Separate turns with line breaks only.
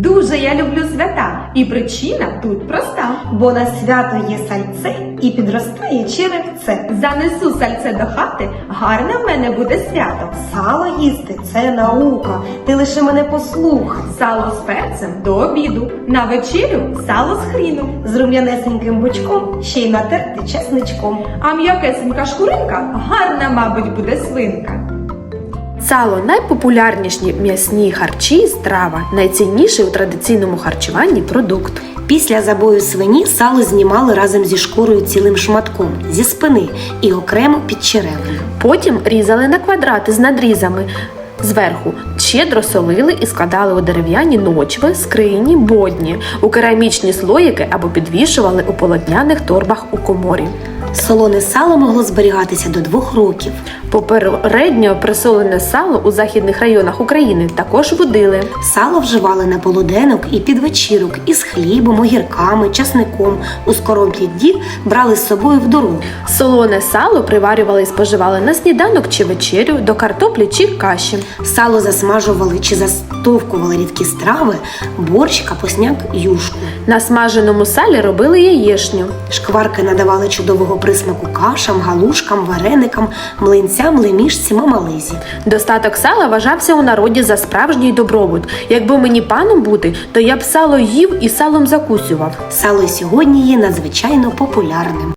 Дуже я люблю свята, і причина тут проста.
Бо на свято є сальце і підростає черевце.
Занесу сальце до хати, гарне в мене буде свято.
Сало їсти – це наука, ти лише мене послухай.
Сало з перцем до обіду, на вечерю сало з хріном.
З рум'янесеньким бочком ще й натерти чесничком.
А м'якесенька шкуринка гарна, мабуть, буде свинка.
Сало – найпопулярніші м'ясні харчі і страва, найцінніший у традиційному харчуванні продукт.
Після забою свині сало знімали разом зі шкурою цілим шматком, зі спини і окремо під черевою.
Потім різали на квадрати з надрізами. Зверху щедро солили і складали у дерев'яні ночви, скрині, бодні, у керамічні слоїки або підвішували у полотняних торбах у коморі.
Солоне сало могло зберігатися до 2 років.
Попередньо присолене сало у західних районах України також водили.
Сало вживали на полуденок і під вечірок із хлібом, огірками, часником. У скоромплі дів брали з собою в дорогу.
Солоне сало приварювали і споживали на сніданок чи вечерю, до картоплі чи каші.
Сало засмажували чи застовкували рідкі страви, борщ, капусняк, юшку.
На смаженому салі робили яєшню.
Шкварки надавали чудового присмаку кашам, галушкам, вареникам, млинцям, лемішці, мамализі.
Достаток сала вважався у народі за справжній добробут. Якби мені паном бути, то я б сало їв і салом закусював.
Сало й сьогодні є надзвичайно популярним.